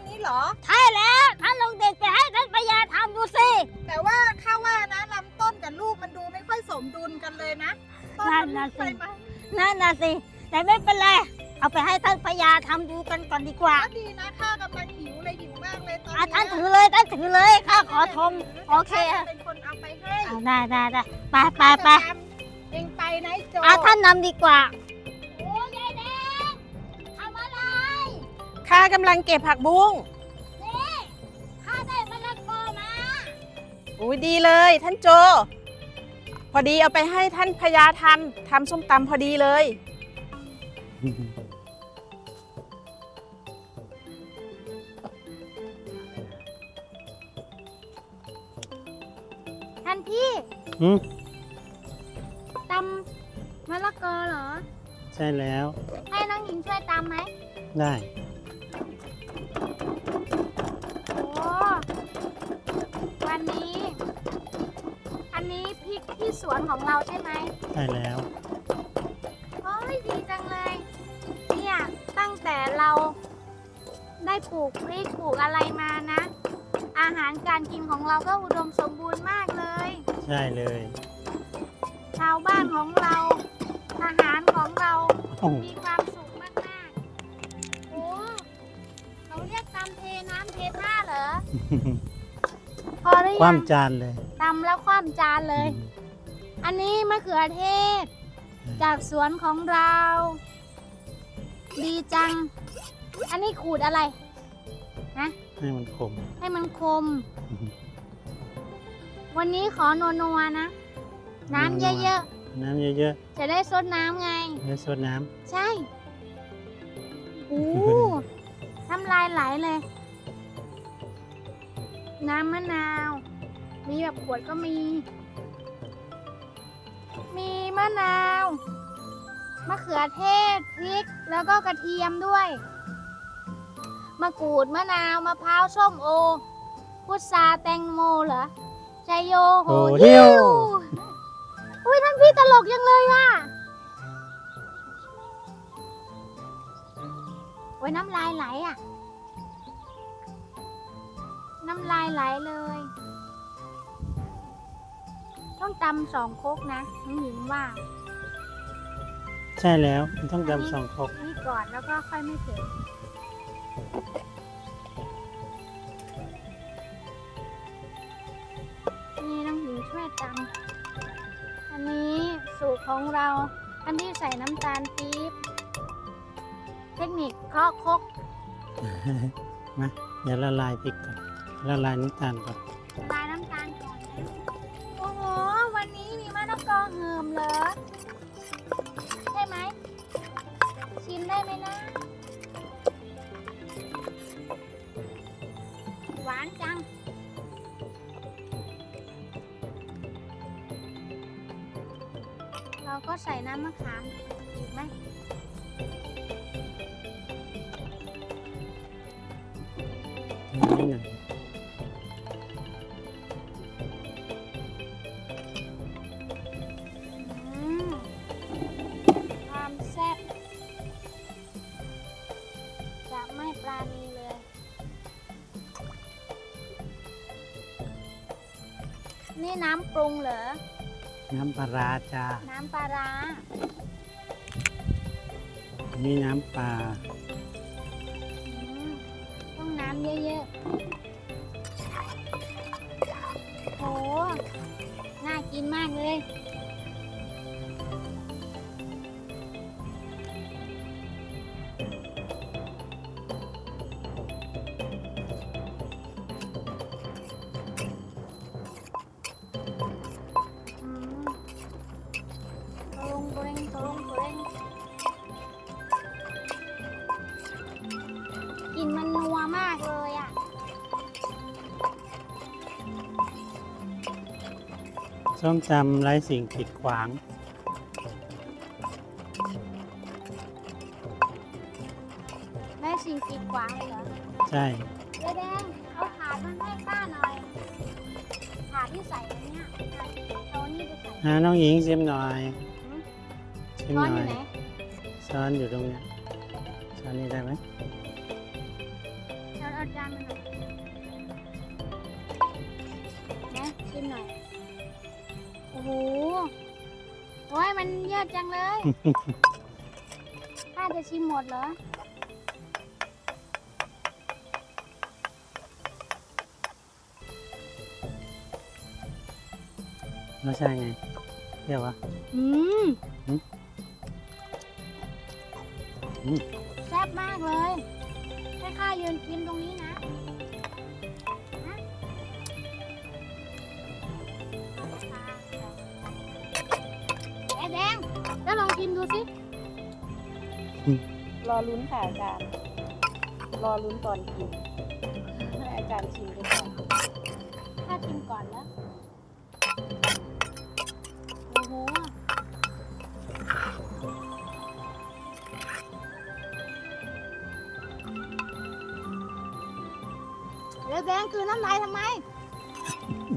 นี้เหรอใช่แล้วท่านลองเด็ดไปให้ท่านพญาทำดูสิแต่ว่าข้าว่านะลำต้นกับลูกมันดูไม่ค่อยสมดุลกันเลยนะต้นมันเล็กไปไหมนั่นน่ะสิแต่ไม่เป็นไรเอาไปให้ท่านพญาทำดูกันก่อนดีกว่าก็ดีนะข้ากำลังหิวเลยหิวมากเลยตอนท่านนี้ถือเลยท่านถือเลยข้าขอชมโอเคข้าจะเป็นคนเอาไปให้ได้ไปเองไปนะโจท่านนำดีกว่าโอ้ยายแดงทำอะไรข้ากำลังเก็บผักบุ้งนี่ข้าได้มะละกอมาอุ้ยดีเลยท่านโจ พอดีเอาไปให้ท่านพญาทำส้มตำพอดีเลยท่านพี่อืมตำมะละกอเหรอใช่แล้วให้น้องหญิงช่วยตำไหมได้โอ้วันนี้ อันนี้พริกที่สวนของเราใช่ไหมใช่แล้วโอ้ยดีจังเลย เนี่ยตั้งแต่เราได้ปลูกพริกปลูกอะไรมานะ อาหารการกินของเราก็อุดมสมบูรณ์มากเลยใช่เลยชาวบ้านของเรา อาหารของเราโอ้โหมีความสุขมากๆ โอ้เขาเรียกตำเทน้ำเทท่าเหรอ พอหรือคยังว่ำจานเลยตำแล้วคว่ำจานเลย อันนี้มะเขือเทศ จากสวนของเรา ดีจัง อันนี้ขูดอะไรนะให้มันขมให้มันคม วันนี้ขอนัวๆนะ น้ำเยอะน้ำเยอะๆ จะได้ซดน้ำไงๆแล้วซดน้ใช่โอ้น้ำลายไหลเลย น้ำมะนาว มีแบบขวดก็มี มีมะนาว มะเขือเทศ พริก แล้วก็กระเทียมด้วย มะกรูด มะนาว มะพร้าว ส้มโอ พุทราแตงโมเหรอชัยโยำโหโอ้หิเที่ยววอุ้ยท่านพี่ตลกยังเลยว่ะโอ้ยน้ำลายไหลอ่ะ น้ำลายไหลเลย ต้องตำ2 ครกนะน้องหญิงว่าใช่แล้วมันต้องดำ2 ครกนี่ก่อนแล้วก็ค่อยไม่เผ็ดนี่น้องหญิงช่วยตำอันนี้สูตรของเรา อันที่ใส่น้ำตาลปี๊บ เทคนิคเคาะครกมาเดี๋ยวละลายพริกก่อนละลายน้ำตาลก่อนละลายน้ำตาลก่อนนะโอ้โห วันนี้มีมะละกอเหิมเหรอ ใช่ไหม ชิมได้ไหมนะ หวานจัง เราก็ใส่น้ำมะขามอีกไหมนิดหน่อยความแซ่บจะไม่ปราณีเลย นี่น้ำปรุงเหรอน้ำปลาร้าจ้าน้ำปลาร้านี่น้ำปลาต้องน้ำเยอะๆ โห น่ากินมากเลย ตรงเร่งตรงเร่งกลิ่นมันนัวมากเลยอ่ะส้มตำไร้สิ่งกีดขวางได้สิ่งกีดขวางเลยเหรอใช่เจ๊แดงเอาถาดมาให้ป้าหน่อย ถาดที่ใส่อันเนี้ยเอานี่ไปใส่น้องหญิงชิมหน่อยหืมชิมช้อหนน่ออยู่ ยไหนช้อนอยู่ตรงเนี้ยช้อนนี้ได้ไหมเอาจานมันหน่อยนะชิมหน่อย โอ้โห โอ้ยมันเยอะจังเลย ถ้าจะชิมหมดเหรอรสชาติไงเปรี้ยววะอืมอืม อืมแซ่บมากเลยให้ข้ายืนกินตรงนี้นะไอ้แดงแล้วลองชิมดูสิรอลุ้นค่ะอาจารย์ รอลุ้นตอนกินให้อาจารย์ชิมไปก่อนข้าชิมก่อนแล้ว โอ้โห แล้วแดงคือน้ำลายทำไม